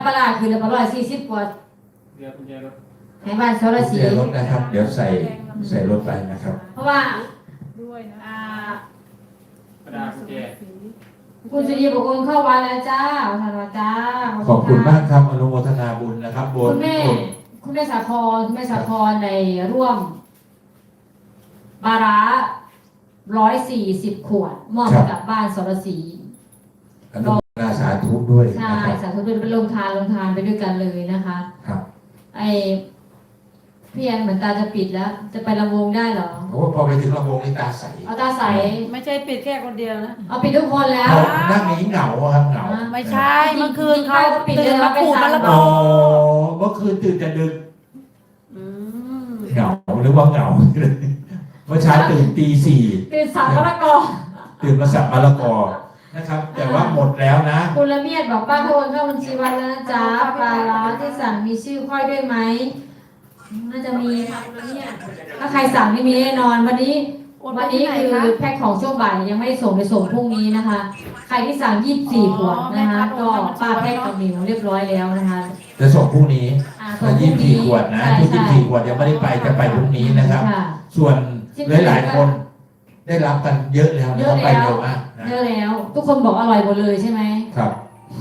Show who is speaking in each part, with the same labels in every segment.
Speaker 1: ปลาคือละ140กว่า
Speaker 2: เรือกุญแจรถ
Speaker 1: ให้บ้านสรศรี
Speaker 3: รถนะครับเดี๋ยวใส่รถไปนะครับ
Speaker 1: เพราะว่า
Speaker 4: ด้วยนะ
Speaker 2: ประดากุญแจ
Speaker 1: คุณสุรีบอกโอนเข้าวัดแล้วจ้าท่านว่าจ้า
Speaker 3: ขอบคุณมากครับอนุโมทนาบุญนะครับบุญ
Speaker 1: คุณแม่สาครในร่วมบาระ140 ขวดมอบให้กับบ้านสรศรี
Speaker 3: อนุโมทนาสาธุด้วย
Speaker 1: ใช่สาธุด้วยเป็นลงทานไปด้วยกันเลยนะคะ
Speaker 3: ครับ
Speaker 1: ไอพี่แอนเหมือนตาจะปิดแล้วจะไปลำวงได้เหรอ
Speaker 3: โอ้พอไปถึงลำวงนี่ตาใส
Speaker 1: เอาตาใส
Speaker 4: ไม่ใช่ปิดแค่คนเดียวนะ
Speaker 1: เอาปิดทุกคนแล้ว
Speaker 3: นั่งนี้เหงาครับเหงา
Speaker 4: ไม่ใช่เมื่อคืนเขาตื่นมาขูดมะละกอ
Speaker 3: เมื่อคืนตื่นแต่ดึกเหงาหรือว่าเหงาเมื่อเช้าตื่นตี 4
Speaker 1: ตื่นสับมะละกอ
Speaker 3: ตื่นมาสับมะละกอนะครับแต่ว่าหมดแล้วนะ
Speaker 1: คุณละเมียดบอกป้าโอนเข้าบัญชีวัดแล้วนะจ๊ะปลาล้อที่สั่งมีชื่อค่อยด้วยไหมน่าจะมีค่ะคุณละเมียดถ้าใครสั่งไม่มีแน่นอนวันนี้คือแพ็คของช่วงบ่ายยังไม่ได้ส่งไปส่งพรุ่งนี้นะคะใครที่สั่ง24 ขวดนะคะก็ป้าแพ็คกับหมิวเรียบร้อยแล้วนะคะ
Speaker 3: จะส่งพรุ่งนี้24 ขวดนะที่24 ขวดยังไม่ได้ไปจะไปพรุ่งนี้นะครับส่วนหลายคนได้รับกันเยอะแล้วนะครับไปเร็วมาก
Speaker 1: เยอะแล้วทุกคนบอกอร่อยหมดเลยใช่ไหม
Speaker 3: ครับ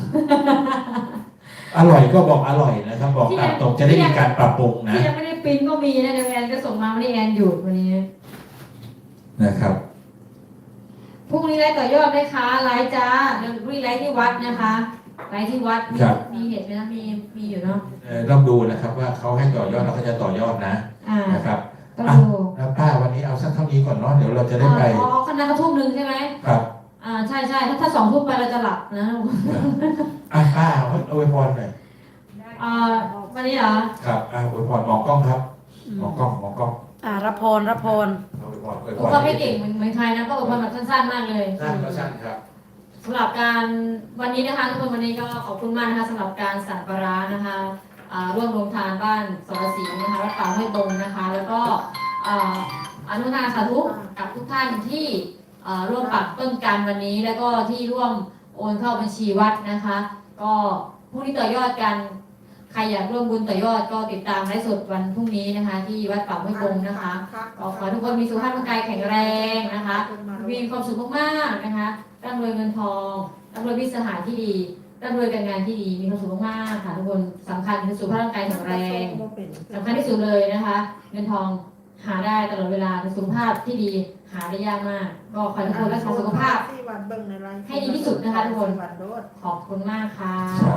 Speaker 3: อร่อยก็บอกอร่อยนะครับบอกตามตรงจะได้มีการปรับปรุงนะ
Speaker 1: ที่ยังไม่ได้ปริ้นก็มีนะเดี๋ยวแอนก็ส่งมาวันนี้แอนหยุดวันนี้
Speaker 3: นะครับ
Speaker 1: พรุ่งนี้ไลฟ์ต่อยอดได้คะไลฟ์จ้าเดี๋ยวพรุ่งนี้ไลฟ์ที่วัดนะคะไลฟ์ที่วัดมีเหตุไหมนะมีอยู่เนาะ
Speaker 3: ต้องดูนะครับว่าเขาให้ต่อยอดเราก็จะต่อยอดนะนะครับ
Speaker 1: ต้องดู
Speaker 3: แล้วป้าวันนี้เอาสักเท่านี้ก่อนเนาะเดี๋ยวเราจะได้ไป
Speaker 1: คณะทุ่มนึงใช่ไหม
Speaker 3: ครับ
Speaker 1: ใช่ถ้า2 ทุ่มไปเราจะหลับนะ
Speaker 3: ป้าเอาไว้พรหน่อย
Speaker 1: วันนี้เหรอ
Speaker 3: ครับไว้พรมองกล้องครับมองกล้อง
Speaker 4: รับพร
Speaker 1: ก็ไม่เก่งเหมือนใครนะก็อวยพรแบบสั้นๆมากเลย
Speaker 3: สั้นครับ
Speaker 1: สำหรับการวันนี้นะคะทุกคนวันนี้ก็ขอบคุณมากนะคะสำหรับการสันปรานะคะร่วมลงทานบ้านสรศรีนะคะวัดป่าห้วยตรงนะคะแล้วก็อนุโมทนาสาธุกับทุกท่านที่ร่วมปักต้นกันวันนี้แล้วก็ที่ร่วมโอนเข้าบัญชีวัดนะคะก็ผู้ที่ต่อยอดกันใครอยากร่วมบุญต่อยอดก็ติดตามไลฟ์สดวันพรุ่งนี้นะคะที่วัดป่าห้วยตรงนะคะขอทุกคนมีสุขภาพร่างกายแข็งแรงนะคะมีความสุขมากๆนะคะร่ำรวยเงินทองร่ำรวยวิสหายที่ดีร่ำรวยการงานที่ดีมีความสุขมากๆค่ะทุกคนสำคัญคือสุขภาพร่างกายแข็งแรงสำคัญที่สุดเลยนะคะเงินทองหาได้ตลอดเวลาสุขภาพที่ดีหาได้ยากมากก็ขอทุกคนรักษาสุขภาพให้ดีที่สุดนะคะทุกคนขอบคุณมากค่ะ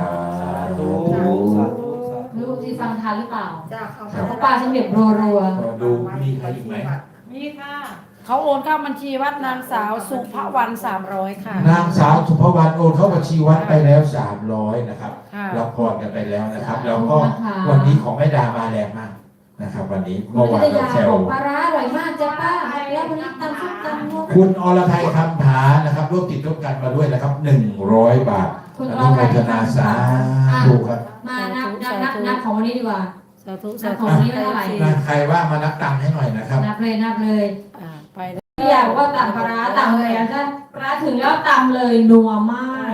Speaker 1: รู้ที่ฟังทันหรือเปล่าเพราะป้าฉันเด็บรัว
Speaker 3: ดูมีใครอีกไหม
Speaker 4: มีค่ะเขาโอนเข้าบัญชีวัดนางสาวสุภวรรณ300ค่ะ
Speaker 3: นางสาวสุภวรรณโอนเข้าบัญชีวัดไปแล้ว300นะครับรับพรกันไปแล้วนะครับแล้วก็วันนี้ของแม่ดามาแรงมากนะครับวันนี้เมื่อวานเราแซว
Speaker 1: ปลาร้าอร่อยมากจ้ะป้าแล้ววันนี้ตำส้มตำ
Speaker 3: คุณอรทัยคำผานะครับร่วมติดร่วมกันมาด้วยนะครับ100 บาท
Speaker 1: คุณ
Speaker 3: อรทัยธนาสาธุครับ
Speaker 1: มานับของวันนี้ดีกว่า
Speaker 4: สาธุ
Speaker 1: ของวันนี้ไม่เท่าไหร่
Speaker 3: ใครว่ามานับตังค์ให้หน่อยนะครับ
Speaker 1: นับเลยไปอยากว่าตำปลาร้าตำเลยถ้าปลาถึงแล้วตำเลยนัวมาก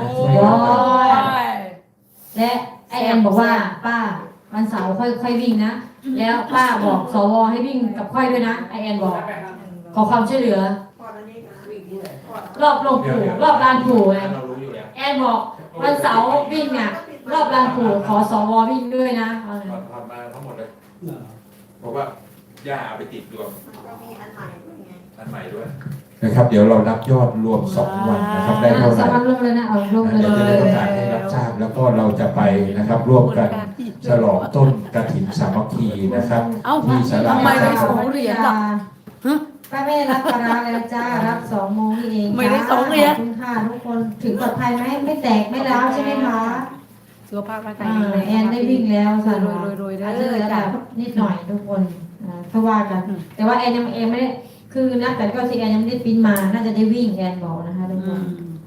Speaker 1: และไอแอนบอกว่าป้าวันเสาร์ค่อยวิ่งนะแล้วป้าบอกสวให้วิ่งกับค่อยด้วยนะไอแอนบอกขอความช่วยเหลือรอบลงปู่รอบลานปู่ไงแอนบอกวันเสาร์วิ่งเนี่ยรอบลานปู่ขอสววิ่งด้วยนะ
Speaker 3: ทำมาทั้งหมดเลยบอกว่าย่าเอาไปติดดวงอันใหม่ด้วยนะครับเดี๋ยวเรารับยอดรวม2 วันนะครับได้เท่าไหร่
Speaker 1: 2 วันรวมเลยนะรวมเลย
Speaker 3: จะได้ประกาศให้รับทราบแล้วก็เราจะไปนะครับร่วมกันฉลองต้นกฐินสามัคคีนะครับ
Speaker 4: ที่ศาลา
Speaker 1: ทำไมได้2 เหรียญล่ะป้าแม่รับปลาแล้วจ้ารับ2 โมงนี่เอง
Speaker 4: ไม่ได้2 เหรียญ
Speaker 1: คุณค่ะทุกคนถึงปลอดภัยไหมไม่แตกไม่ร้าวใช่ไหมคะ
Speaker 4: สุขภาพร่างกาย
Speaker 1: แอนได้วิ่งแล้วค่ะ
Speaker 4: รวย
Speaker 1: ได้นิดหน่อยทุกคนเพราะว่ากันแต่ว่าแอนยังไม่ได้คือนักแต่ก็ที่แอนยังไม่ได้ปิ้นมาน่าจะได้วิ่งแอนบอกนะคะทุกคน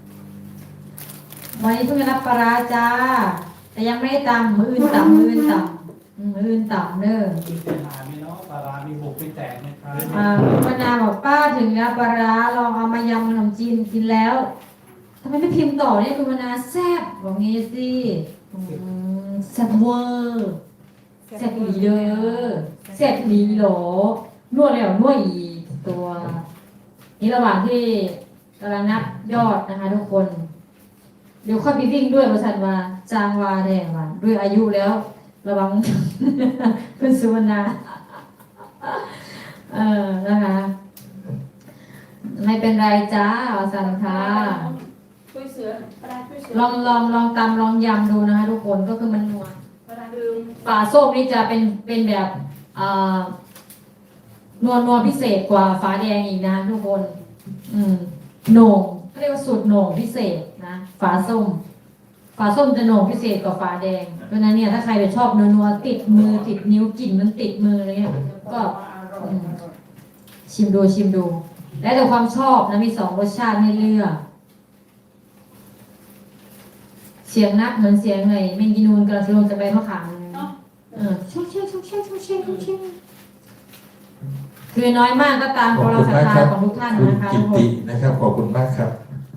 Speaker 1: วันนี้เพิ่งรับปลาจ้าแต่ยังไม่ได้ตำมืออื่นต่ำเด้อ
Speaker 2: ปลาร้ามีบุกไปแตกไหมครับ
Speaker 1: มนาบอกป้าถึงแล้วปลาลองเอามายำขนมจีนกินแล้วทำไมไม่พิมพ์ต่อเนี่ยคุณมนาแซ่บบอกงี้สิแซ่บเวอร์แซ่บอีหลีเด้อแซ่บอีหลีเหรอนวดแล้วนวดอีกตัวนี่ระหว่างที่กำลังนับยอดนะคะทุกคน เดี๋ยวค่อยไปวิ่งด้วยประชันว่าจางวาแดงว่าด้วยอายุแล้ว ระวัง คุณสุวรรณานะคะ ไม่เป็นไรจ้าประชันค่ะ
Speaker 5: ช่วยเสือประดาช่วยเสือ
Speaker 1: ลองตำลองยำดูนะคะทุกคนก็คือมันนัว
Speaker 5: ประดาลืม
Speaker 1: ปลาส้มนี่จะเป็นแบบนัวพิเศษกว่าฟ้าแดงอีกนะทุกคน โหน่งเขาเรียกว่าสูตรโหน่งพิเศษนะฝาส้มจะโหน่งพิเศษกว่าฝาแดงเพราะฉะนั้นเนี่ยถ้าใครไปชอบนัวๆติดมือติดนิ้วกลิ่นมันติดมืออะไรเงี้ยก็ชิมดู แล้วแต่ความชอบนะมี2รสชาติให้เลือกเสียงนักเหมือนเสียงไงเมงกินูนกระลงจะไปมะขามชุกเช่คือน้อยมากก็ตาม
Speaker 3: ขอบ
Speaker 1: เรา
Speaker 3: คุณ
Speaker 1: ศรัท
Speaker 3: มาก
Speaker 1: ธา
Speaker 3: ครับ
Speaker 1: ของทุกท่าน
Speaker 3: คุณ
Speaker 1: นะคะ
Speaker 3: กิ
Speaker 1: ทุกค
Speaker 3: ติ
Speaker 1: น
Speaker 3: นะครับขอบคุณมากครับ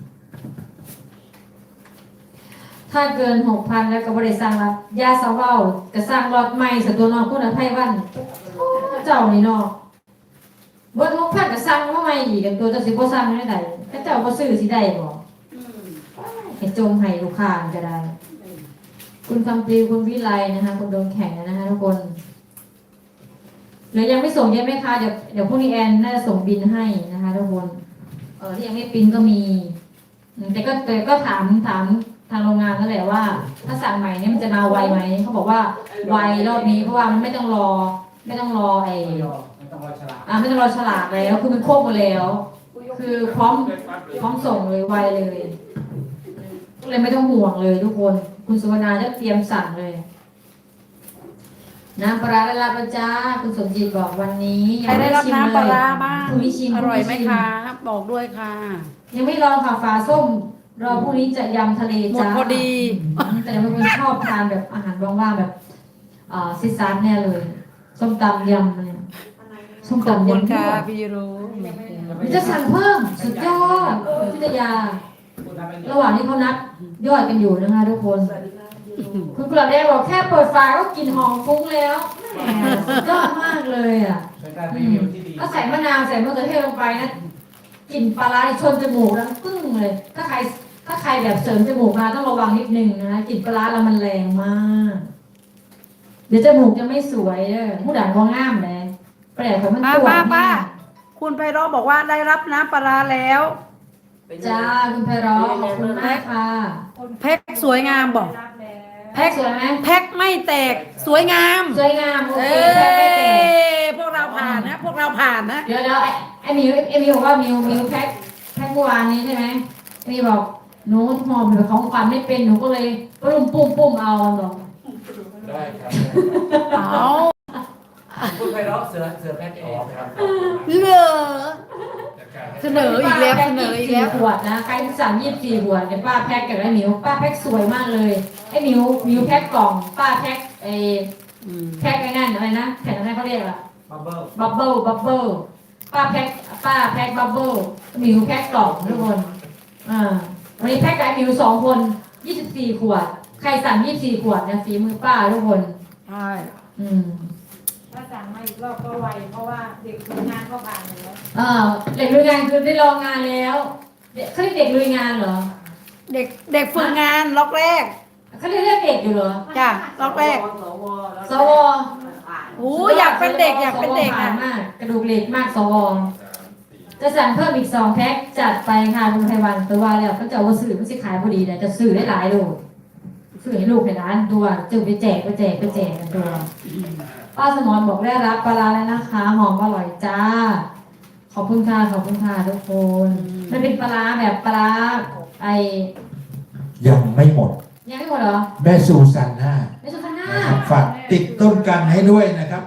Speaker 1: ถ้าเกิน 6,000 แล้วก็บริษัทรับยาสาวเว้าก็สร้างรอดใหม่สตัวนอกคุณอภัยวันเจ้านี่เนาะเบิ้ล6,000ก็สร้างมาใหม่อีกกันตัวจะสิบ่สร้างได้ใดถ้าเจ้าบ่ซื้อสิได้บ่
Speaker 5: อืม
Speaker 1: ให้จงให้ลูกค้าก็ได้ คุณคำปลีคุณวิไลนะคะคุณโดนแข่งนะคะทุกคนหรือยังไม่ส่งเยอะไหมคะเดี๋ยวพรุ่งนี้แอนน่าจะส่งบินให้นะคะทุกคนที่ยังไม่ปริ้นก็มีแต่ก็ถามทางโรงงานนั่นแหละว่า ถ้าสั่งใหม่เนี่ยมันจะมาไวไหมเขาบอกว่าไวรอบนี้เพราะว่ามันไม่ต้องรอไอ้
Speaker 2: ไม่ต้องรอฉลาก
Speaker 1: ไม่ต้องรอฉลากแล้วคือมันควบหมดแล้ว คือพร้อมส่งเลยไวเลยก็เลยไม่ต้องห่วงเลยทุกคน คุณสุวรรณาจะเตรียมสั่งเลยน้ำปลาร้าได้รับแล้วจ้าคุณสมจิตบอกวันนี้
Speaker 4: ใครได้รับน้ำปลาร้าบ้าง
Speaker 1: พรุ่งนี้ชิม
Speaker 4: อร่อยไหม
Speaker 1: พงนี้ชิ
Speaker 4: คะบอกด้วยค่ะ
Speaker 1: ยังไม่ลองค่ะฟ้าส้มรอพรุ่งนี้จะยำทะเล
Speaker 4: หมด
Speaker 1: จ้า
Speaker 4: พอดี
Speaker 1: แต่ยังเป็นคนชอบทานแบบอาหารว่างๆแบบซิซานแน่เลยส้มตำยำเนี่ยส้ม
Speaker 4: ขอบ
Speaker 1: ตำ
Speaker 4: คุณ
Speaker 1: ยำ
Speaker 4: ค่ะ
Speaker 1: ด้วย
Speaker 4: พี่รู้
Speaker 1: จะสั่งเพิ่มสุดยอดพิทยา ระหว่างที่เขานับยอดกันอยู่นะคะทุกคน คุณกลับแดงบอกแค่เปิดฝาก็กลิ่นหอมฟุ้งแล้วแหมสุดยอดมากเลยอ่ะ
Speaker 2: เป็นการรีวิวที่ดี
Speaker 1: ก็ใส่มะนาวใส่มะเขือเทศลงไปนะกลิ่นปลาร้าชนจมูกแล้วปึ้งเลย ถ้าใครแบบเสริมจมูกมาต้องระวังนิดนึงนะกลิ่นปลาร้าเรามันแรงมาก เดี๋ยวจมูกจะไม่สวยเด้อผู้ด่านก็ง่ามเลยแปลกของมันตัว
Speaker 4: ป้า คุณไพเราะบอกว่าได้รับน้ำปลาร้าแล้ว
Speaker 1: จ้าคุณไพเราะขอบคุณมากค่ะ
Speaker 4: แพ็คสวยงามบอก
Speaker 1: แพ็กสวยไหม
Speaker 4: แพ็คไม่แตกสวยงาม
Speaker 1: สวยงามโอ
Speaker 4: เอ
Speaker 1: เคแพ็กไม่แตก
Speaker 4: พวกเราผ่านนะ พวกเราผ่านนะ
Speaker 1: เดี๋ยวไอ้มิวบอกว่ามิวแพ็คเมื่อวานนี้ใช่ไหมไอ้มิวบอกหนูหอมแบบของขวัญไม่เป็นหนูก็เลยปุ่มเอาบอก
Speaker 3: ได้ครับ
Speaker 4: เอา
Speaker 2: คุณไพเราะเสือแพ็คเองครับ
Speaker 4: เหลือ เสนออีกแล้ว
Speaker 1: ป้าพ็ค24ขวดนะใครที่สั่ง24ขวดเดี๋ยวป้าแพ็คกับไอ้มิวป้าแพ็คสวยมากเลยไอ้มิวแพ็คกล่องป้าแพ็คแพ็คไอ้นั่นอะไรนะแผ่นอะไรเขาเรียกอะ
Speaker 2: บับเบิ้ล
Speaker 1: บับเบิ้ลป้าแพ็คบับเบิ้ลมิวแพ็คกล่องทุกคนวันนี้แพ็คกับไอ้มิว2 คน24ขวดใครสั่ง24ขวดเนี่ยฝีมือป้าทุกคน
Speaker 4: ใช่
Speaker 5: ถ้าสั่งมาอีกรอบก็ไวเพราะว่าเด็กทำงานก็ผ่านแล้ว
Speaker 1: เด็กลุยงานคือได้ลองงานแล้วเขาเรียกเด็กลุยงานเหรอ
Speaker 4: เด็กฝึกงานล็อกแรก
Speaker 1: เขาเรียกเด็กอยู่เหรอ
Speaker 4: จ้ะล็อกแรก
Speaker 1: สว
Speaker 4: โอ้อยากเป็นเด็กอยากเป็นเด็ก
Speaker 1: สวผ่า
Speaker 4: อ่ะ
Speaker 1: นมากกระดูกเหล็กมากสวจะสั่งเพิ่มอีก2 แพ็คจัดไปค่ะคุณไพวันตัวว่าแล้วก็จะเอามาสื่อมันสิขายพอดีแต่จะสื่อได้หลายโลสื่อให้ลูกในร้านตัวจึงไปแจกกันตัวป้าสมรบอกได้รับปลาร้าแล้วนะคะหอมอร่อยจ้าขอบคุณค่ะทุกคนมันเป็นปลาร้าแบบปลาร้าไอ
Speaker 3: ยังไม่หมด
Speaker 1: ยังไม่หมดเหรอ
Speaker 3: แม่ซูซานน่า
Speaker 1: ไม่ใช่พันหน้า
Speaker 3: นะครับฝากติดต้นกันให้ด้วยนะครับ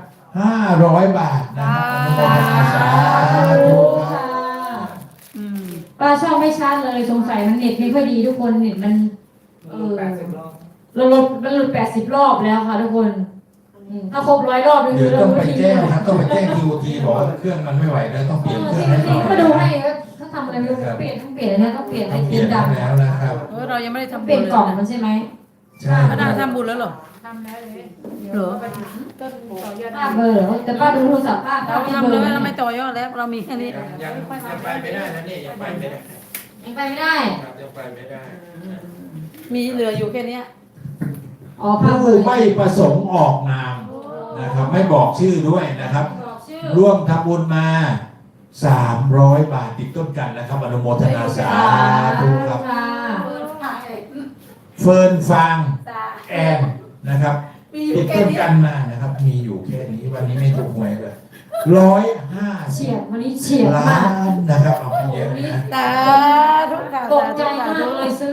Speaker 3: 500 บาทนะครับอนุโมทนาสาธุครั
Speaker 1: ค่ะ
Speaker 3: บ
Speaker 4: อืม
Speaker 1: ป้าช่องไม่ชัดเลยสงสัยมันเน็ตไม่ค่อยดีทุกคนเน็ตมัน
Speaker 2: 80 รอบ
Speaker 1: มันหลุด80 รอบแล้วค่ะทุกคนถ้าครบ100 รอบนี่
Speaker 3: เดี๋
Speaker 1: คื
Speaker 3: ยว
Speaker 1: อเรา
Speaker 3: ต้องไป
Speaker 1: ทิ้ง
Speaker 3: แจ้งนะครับต้องไปแจ้ง QT บอกว่าเครื่องมันไม่ไหวแล้วต้องเปลี่ยนเครื่องให้หน่อย
Speaker 1: มาดูให้ถ้าทำอะไรไม่รู้เปลี่ยนอันนี้ต้องเปลี่ยนไอ
Speaker 3: ต้องเป
Speaker 1: ที
Speaker 3: ลี่ย
Speaker 1: ม
Speaker 3: น
Speaker 1: ดำ
Speaker 3: แล้วนะครับ
Speaker 4: เรายังไม่ได้ทำ
Speaker 1: เปลี่ยน
Speaker 4: บุญ
Speaker 1: กล่อง
Speaker 4: เลย
Speaker 1: มันใช่ไหม
Speaker 3: ใช่
Speaker 4: ป้าดาทำบุญแล้วเหรอ
Speaker 5: ทำแล้วเลยเดี๋ยว
Speaker 4: เหรอ
Speaker 5: ไปถึงต้นต่อยอด
Speaker 1: ป้าเบอร์เหรอแต่ป้าดูโทรศัพท์ป้า
Speaker 4: เรา
Speaker 1: ไม่
Speaker 4: ทำ
Speaker 1: เบอ
Speaker 4: แล้ว
Speaker 1: ร์
Speaker 4: เราไม่ต่อยอดแล้ว เรามีแค่นี้
Speaker 2: ยังไปไม่ได้นะนี่ยังไปไม่ได้
Speaker 1: ยังไปไม่ได้
Speaker 2: ครับยังไปไม่ได้
Speaker 4: มีเหลืออยู่แค่เนี้ย
Speaker 1: อ๋อป้าเบอ
Speaker 3: ผู้
Speaker 1: ร์
Speaker 3: ไม่ประสงค์ออกนามนะครับ ไม่บอกชื่อด้วยนะครับ
Speaker 1: บอกชื่อ
Speaker 3: ร่วมทำบุญมา300 บาทติดต้นกันนะครับอนุโมทนาสาธุครับ
Speaker 1: ค่ะ
Speaker 3: เฟิร์นฟางแอนนะครับติดต้นกันมานะครับ มีอยู่แค่นี้วันนี้ไม่ถูกหวยเลย150
Speaker 1: เฉียดวันนี้เฉียด
Speaker 3: ล้าม
Speaker 1: าก
Speaker 3: นนะครับเอาไปเยอะนะ
Speaker 4: สาธุค่ะ
Speaker 1: ตกใจมากเลยซื้อ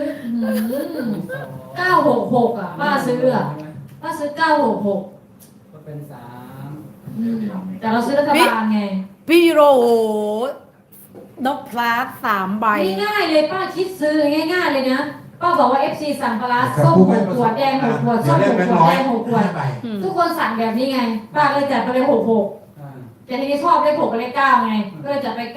Speaker 1: 966อ่ะป้าซื้ออ่ะป้าซื้อ966
Speaker 2: ก็เป็น3
Speaker 1: แต่เราซื้อรัฐบาลไง
Speaker 4: พี่โรนกพลาส3 ใบ
Speaker 1: ง่ายๆเลยป้าคิดซื้อง่ายๆเลยนะป้าบอกว่า FC สั่งปลาร้าส้ม6 ขวดแดง6 ขวดส้ม6 ขวดแดง6 ขวด
Speaker 3: ใบ
Speaker 1: ทุกคนสั่งแบบนี้ไงป้าก็เลยจัดไปเลย66แต่ทีนี้ชอบเลข6กับเลข9ไงก็เลยจัดไป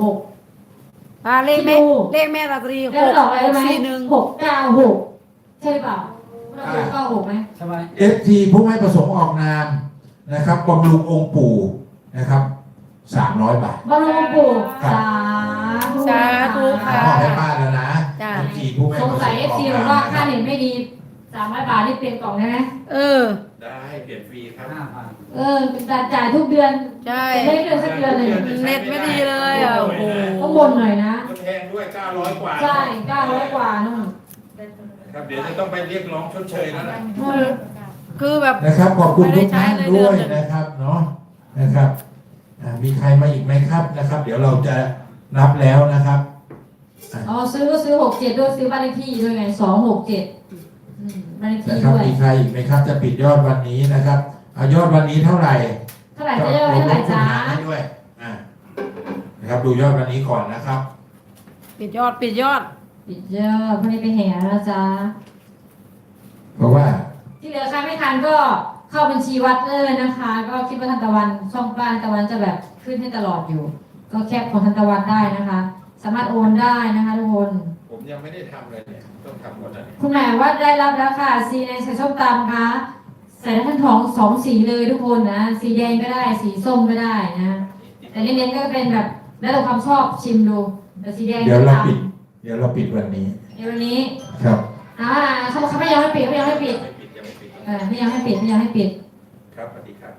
Speaker 1: 966
Speaker 4: เลขแม่
Speaker 1: ดู
Speaker 4: เลขแม่ราตรี
Speaker 1: แล้วดอกอะไรรู้ไหม
Speaker 4: 641
Speaker 1: 696ใช่หรือเปล่าเราดู96ไหม
Speaker 2: ใช่ไหม
Speaker 3: FT ผู้ไม่ประสงค์ออกนามนะครับบำรุงองค์ปู่นะครับ300 บาท
Speaker 1: บอลลูนปู่สา
Speaker 4: สาธุค่ะ
Speaker 3: มอบให้ป้าแล้วนะ
Speaker 4: จ้ะ
Speaker 3: FT ผู้ไม่
Speaker 1: ส
Speaker 3: ประ
Speaker 1: ง
Speaker 3: สงค์อ
Speaker 1: สัย
Speaker 3: อก
Speaker 1: FC
Speaker 3: นาม
Speaker 1: บอกว่าค่าเน็ตไม่ดี300 บาทนี่เปลี่ยนกล่องได้ไหม
Speaker 4: เออ
Speaker 3: ได้เปลี่ยนฟรีครับ
Speaker 2: 5,000
Speaker 1: จ่ายทุกเดือน
Speaker 4: ใช่
Speaker 1: แต่ไม่เดือนสักเดือนเลย
Speaker 4: เน็ตไม่ดีเลยอ่ะโอ้โห
Speaker 1: ต้องบนหน่อยนะ
Speaker 3: ก็แพงด้วย900 กว่า
Speaker 1: ใช่900 กว่านู่น
Speaker 3: ครับเดี๋ยวจะต้องไปเรียกร้องชดเชยแล้วนะ
Speaker 4: คือแบบ
Speaker 3: นะครับขอบคุณทุกท่าน
Speaker 4: ไม่ได้ใช้เลยเดื
Speaker 3: ด้
Speaker 4: อ
Speaker 3: วน ย
Speaker 4: หนึ่ง
Speaker 3: นะครับเนาะนะครับมีใครมาอีกไหมครับนะครับ เดี๋ยวเราจะนับแล้วนะครับ
Speaker 1: อ๋อซื้อก็ซื้อ67ด้วยซื้อบ้านเลขที่ด้วยไง267บ้านเลขที่
Speaker 3: นะครับ
Speaker 1: ด้วย
Speaker 3: มีใครอีกไหมครับ จะปิดยอดวันนี้นะครับเอายอดวันนี้เท่าไหร่
Speaker 1: เท่าไหร่จะได้เท่าไหร่จ้า
Speaker 3: ให้ด้วยนะครับดูยอดวันนี้ก่อนนะครับ
Speaker 4: ปิดยอดปิดยอด
Speaker 1: ปิดยอดพรุ่งนี้ไปแห่แล้วนะจ๊ะ
Speaker 3: เพราะว่า
Speaker 1: ที่เหลือใครไม่ทันก็เข้าบัญชีวัดเลยนะคะ ก็คิดว่าทันตะวันช่องป้าทันตะวันจะแบบขึ้นให้ตลอดอยู่ ก็แคปของทันตะวันได้นะคะ สามารถโอนได้นะคะทุกคน
Speaker 3: ผมยังไม่ได้ทำเลยเนี่ยต้องทำหมดแล้วเนี่ย
Speaker 1: คุณแม่ว่าได้รับแล้วค่ะสีในใส่ส้มตำค่ะใส่ทั้งทอง2 สีเลยทุกคนนะสีแดงก็ได้สีส้มก็ได้นะแต่เน้นๆก็เป็นแบบแล้วแต่ความชอบชิมดูแต่สีแดง
Speaker 3: เดี๋ยวเราปิดวันนี้
Speaker 1: เดี๋ยววันนี้
Speaker 3: ครับ
Speaker 1: เขาไม่ยอมให้ปิดเขาไม่ยอมให้ปิด
Speaker 3: ไม่ปิดยังไม่ปิด
Speaker 1: ไม่ยอมให้ปิด
Speaker 3: ครับสวัสดีครับ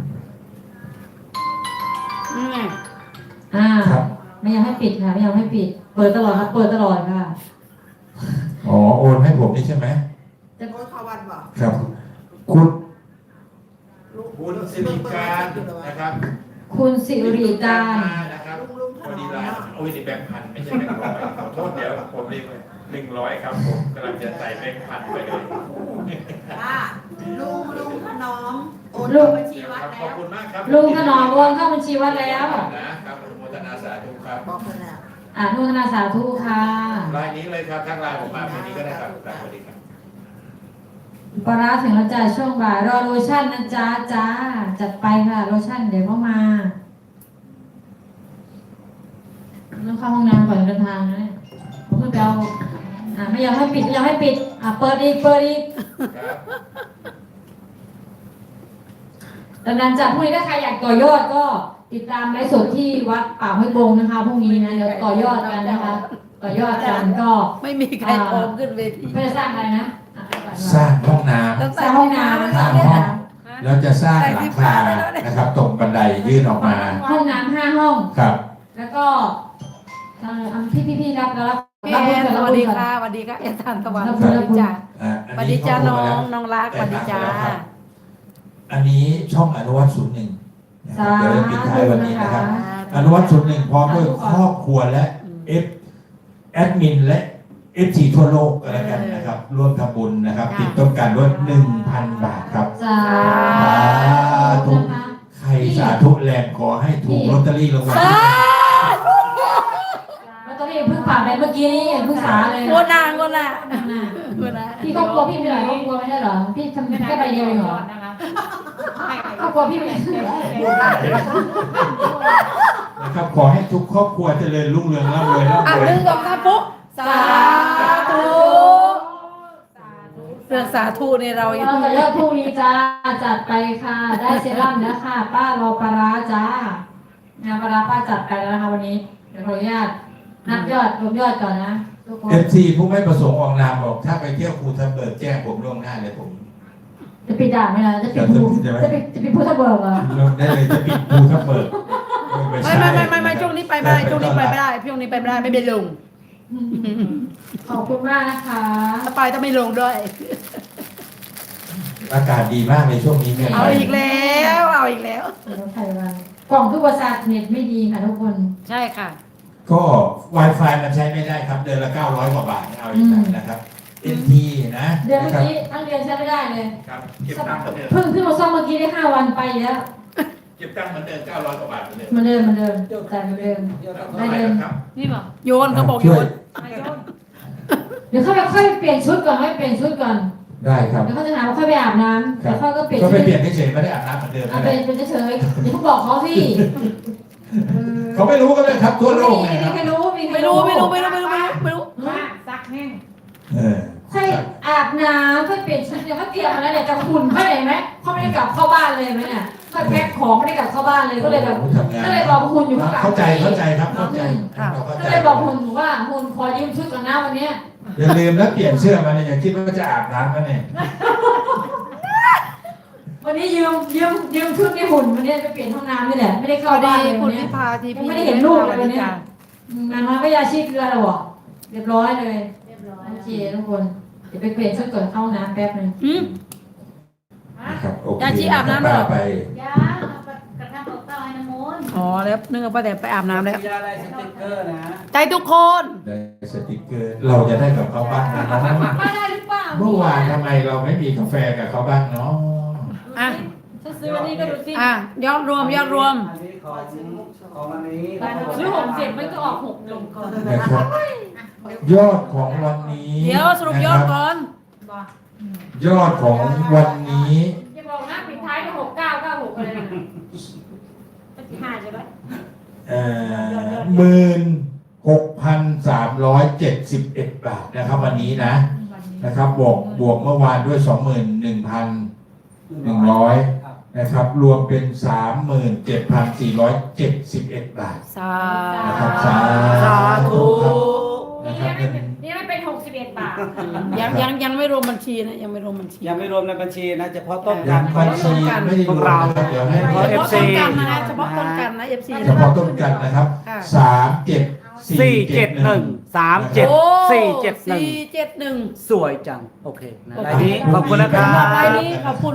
Speaker 4: อืม
Speaker 3: ครับ
Speaker 1: ไม่ยอมให้ปิดค่ะไม่ยอมให้ปิด เปิดตลอดครับเปิดตลอดค่ะ
Speaker 3: อ๋อโอนให้ผมนี่ใช่ไหม
Speaker 1: จะ
Speaker 6: โอ้ยเขาวันบอก
Speaker 3: ครับคุณ
Speaker 6: ลุง
Speaker 3: คุณสิริการนะครับ
Speaker 1: คุณสิริการ
Speaker 3: นะครับ
Speaker 6: ลุงถ
Speaker 3: พอน ดี
Speaker 6: อม
Speaker 3: ไลน์
Speaker 6: เนาะ
Speaker 3: โอ้ยนี่แบงค์พันไม่ใช่แบงค์ร้อยขอโทษเดี๋ยวผมเรียกเลย100ครับผมกำลังจะใส่แบงค์พันไปเลย
Speaker 6: ป้าลุงถนอมโอนเข้าบัญชีวัด
Speaker 3: ครับข
Speaker 6: แล้
Speaker 3: อบ
Speaker 6: ว
Speaker 3: คุณมากครับ
Speaker 1: ลุงถนอมโอนเข้าบัญชีวัดแล้ว
Speaker 3: นะครับอนุโมทนาสาธุครับ
Speaker 6: บอกคนแล้ว
Speaker 1: อนุโมทนาสาธุค่ะ
Speaker 3: รายนี้เลยครับทักไลน์ผมมาวันนี้ก็ได้ครับสวัสดีครับ
Speaker 1: ปลาร้าถึงแล้วจ้าช่วงบ่ายรอโลชั่นนะจ๊ะจ้าจัดไปค่ะโลชั่นเดี๋ยวก็มาต้องเข้าห้องน้ำก่อนเดินทางนะเนี่ยผมก็ไปเอาไม่ยอมให้ปิดไม่ยอมให้ปิดเปิดอีก
Speaker 3: ครับ
Speaker 1: ดังนั้นจากพรุ่งนี้ถ้าใครอยากต่อยอดก็ติดตามไลฟ์สดที่วัดป่าห้วยบงนะคะพรุ่งนี้นะเดี๋ยวต่อยอดกันนะคะ ต่อยอดกันก็
Speaker 4: ไม่มีใครโอมขึ้นเวที
Speaker 1: เพื่อสร้างอะไรนะ
Speaker 3: สร้างห้องน้ำ
Speaker 1: สร้างห้องน้ำ
Speaker 3: สร้างห้องแล้วจะสร้างหลังคานะครับ ตรงบันไดยื่นออกมา
Speaker 1: ห้องน้ำ5 ห้อง
Speaker 3: ครับ
Speaker 1: แล้วก็พี่รับแล้วรับ
Speaker 4: พี่แอนสวัสดีค่ะสวัสดีค่ะแอนทันตะวันสวัสดีจ้า
Speaker 3: อัน
Speaker 4: สวัส
Speaker 3: นี้
Speaker 4: ดีจ้า
Speaker 3: เข้
Speaker 4: น้อ
Speaker 3: ม
Speaker 4: ง
Speaker 3: แล้ว
Speaker 4: น้องรักสวัสดีจ้า
Speaker 3: อันนี้ช่องอนุวัต01นะครับเดี๋ยวจะปิดท้ายวันนี้นะครับ อนุวัต01พร้อมด้วยครอบครัวและแอดมินและ FG ทั่วโลกก็แล้วกันนะครับ ร่วมทำบุญนะครับ ติดต้นกันด้วย 1,000 บาทครับ
Speaker 1: สาธุ
Speaker 3: ใครสาธุแรงขอให้ถูกลอตเตอรี่รางวัลที่
Speaker 1: แล้วตอนนี้เพิ่งผ่านไปเมื่อกี้นี่เพิ่งสาเลย
Speaker 4: โกนางโกนาโกนา
Speaker 1: พี่ครอบครัวพี่มีหลายครอบครัวไม่ใช่เหรอพี่ทำแค่ใบเดียวเองเหรอ
Speaker 5: นะคะ
Speaker 1: ครอบครัวพี่มี
Speaker 3: นะครับขอให้ทุกครอบครัวเจริญรุ่งเรืองร่ำรวยร่ำรวย
Speaker 4: 1 2 3ปุ๊บสาธุ
Speaker 1: ส
Speaker 4: รื่องสาธุในเรายัง
Speaker 1: เราจะยอดพรุ่งนี้จ้าจัดไปค่ะ ได้เซรั่มแล้วค่ะป้ารอปลาร้าจ้างานปลาร้าป้าจัดไปแล้วนะคะวันนี้เดี๋ยวขออนุญาตนับยอดรวมยอดก่อนนะทุกคน
Speaker 3: FC ผู้ไม่ประสงค์ออกนามบอกถ้าไปเที่ยวภูทับเบิกแจ้งผมล่วงหน้าเลยผม
Speaker 1: จะปิดด่านไหมล่ะจะปิดภูจะปิดภูทับเบิกเหรอ
Speaker 3: ลงได้เลยจะปิดภูทับเบิก
Speaker 4: ไม่ช่วงนี้ไปไม่ได้ช่วงนี้ไปไม่ได้ช่วงนี้ไปไม่ได้ไม่เป็นลง
Speaker 1: ขอบคุณมากนะคะ
Speaker 4: ถ้าไปต้องไม่ลงด้วย
Speaker 3: อากาศดีมากในช่วงนี้เนี่ย
Speaker 4: เอาอีกแล้วเอาอีกแล้ว
Speaker 1: เดี๋ยวไทยวันกล่องทุกบริษัทเน็ตไม่ดีค่ะทุกคน
Speaker 4: ใช่ค่ะ
Speaker 3: ก็ Wi-Fi มันใช้ไม่ได้ครับเดือนละ900 กว่าบาทเอาอย่างนั้นนะครับ NT นะ
Speaker 1: เดือน
Speaker 3: นะ
Speaker 1: เมื่อ
Speaker 3: ครับ
Speaker 1: กี้ทั้งเดือนใช้ไม่ได้เลย
Speaker 2: ครับเก็บตังค์เหมือนเดิม
Speaker 1: เพิ่งขึ้นมาซ่อมเมื่อกี้ได้5 วันไปแล้ว
Speaker 2: เก็บตังค์เหมือนเดิม900 กว่าบาทเหมือนเดิม
Speaker 1: เหมันเดิมแต่เหมือนเดิม
Speaker 2: เท่าไหร่ครับ
Speaker 4: นี่ป่ะโยนเขาบอกโยน
Speaker 1: เดี๋ยวค่อยเปลี่ยนชุดก่อนค่อยเปลี่ยนชุดก่อน
Speaker 3: ได้ครับ
Speaker 1: เดี๋ยวเขาจะถามว่าค่อยไปอาบน้ำเดี๋ยวค่อยก็เปลี่ยน
Speaker 3: ก็
Speaker 1: ชุ
Speaker 3: ไป
Speaker 1: ด
Speaker 3: เปลี่ยนเฉยๆไม่ได้อาบน้ำเหมือนเดิม
Speaker 1: เอา
Speaker 3: นะ
Speaker 1: เป็นเฉยๆเดี๋ยวเขาบอกเขาที่
Speaker 3: เขาไม่รู้กันเลยครับทั่วโลก
Speaker 1: ไม่
Speaker 3: เลย
Speaker 1: มี
Speaker 3: ครับ
Speaker 1: ใครรู้มีใคร
Speaker 4: ไม่รู้ไม่รู้ไม่รู้ไม่รู้ไม่รู้
Speaker 5: มาซักแห้ง
Speaker 3: เออ
Speaker 1: ค่อยอาบน้ำค่อยเปลี่ยนชุดเดี๋ยวเขาเตรียมมาแล้วเดี๋ยวจะหุ่นค่อยเห็นไหมเขาไม่ได้กลับเข้าบ้านเลยไหมเนี่ยค่อยแพ็คของไม่ได้กลับเข้าบ้านเลยก็เลยแบบ
Speaker 3: ทำงาน
Speaker 1: ก็เลยบอกหุ่นอยู่ข้างหลัง
Speaker 3: เข้าใจครับเข้าใจเราเข้า
Speaker 1: ก็
Speaker 3: ใจ
Speaker 1: เลยบอกหุ่นว่าหุ่นขอยืมชุดก่อนนะวันเนี้ย
Speaker 3: อย่าลืมแล้วเปลี่ยนเสื้อมาเนี่ยอย่าคิดว่าจะอาบน้ำกันเนี่ย
Speaker 1: วันนี้ยืมชุดในหุ่นวันนี้ไปเปลี่ยนห้องน้ำนี่แหละไม่ได้
Speaker 4: ส
Speaker 1: เข้า
Speaker 4: วัส
Speaker 1: บ้า
Speaker 4: ดี
Speaker 1: นเลย
Speaker 4: คุ
Speaker 1: วั
Speaker 4: ณ
Speaker 1: นนี้
Speaker 4: พิพาที
Speaker 1: ยั
Speaker 4: พี
Speaker 1: งไม่ได้เห็นลูกเลยวันนี้งานน้อยก็ยาชีพเกลือแล้วเหรอเรียบร้อยเลย
Speaker 5: เรียบร้อย
Speaker 1: โอเคทุกคนเดี๋ยวไปเปลี่ยนชุดก่อนเข้าห้องน้ำแป๊บนึง
Speaker 3: นะครับโอเค
Speaker 4: ยาชีอาบน้ำเหรอ
Speaker 3: ไป
Speaker 5: ยาเอากระทำเต่าให้น้ำมนต์
Speaker 4: อ๋อแล้วนึกว่าป้าแต่ไปอาบน้ำแล้ว
Speaker 2: ยาอะไรสติ๊กเกอร์นะ
Speaker 4: ใจทุกคน
Speaker 3: ได้สติกเกอร์เราจะได้กับเขาบ้างนะน้อง
Speaker 1: มาได้หรือเปล่า
Speaker 3: เมื่อวานทำไมเราไม่มีกาแฟกับเขาบ้างเนาะ
Speaker 4: อ่ะ
Speaker 1: ถ้าซื้อวันนี้ก็ดูสิ
Speaker 4: อ่ะยอดรวมยอดรวม
Speaker 2: อันนี้ของอันนี้
Speaker 1: ซื้อ6 7มันก็ออก6 1ก่อน
Speaker 3: นะครับยอดของวันนี้
Speaker 4: เดี๋ยวสรุปยอดก่อน
Speaker 5: บอก
Speaker 3: ยอดของวันนี้
Speaker 1: อย่าบอกนะปิดท้ายด้วย6996อะไรนะ
Speaker 5: ปฏิหารใช่ไหม
Speaker 3: 16,371 บาทนะครับวันนี้นะครับบวกเมื่อวานด้วย 21,100 นะครับรวมเป็น 37,471 บาท
Speaker 4: สา
Speaker 3: นะครับ
Speaker 4: สาธุ
Speaker 3: นะครับเป็น
Speaker 1: นี่มันเป็น61 บาท
Speaker 4: ยังไม่รวมบัญชีนะยังไม่รวมบัญชี
Speaker 2: ยังไม่รวมในบัญชีนะเฉพาะต้น
Speaker 3: ยั
Speaker 2: กาง ร
Speaker 3: บัญชีไม่ได้รวมนะครับเดี๋ยวให้
Speaker 4: เฉพาะต้นกันนะเฉพาะต้นกันนะ FC
Speaker 3: เฉพาะต้นกันนะครับ
Speaker 7: 471 37 471
Speaker 4: 471
Speaker 7: สวยจัง โอเคนะรายนี้ขอบคุณนะครับ
Speaker 4: รายนี้ขอบคุณ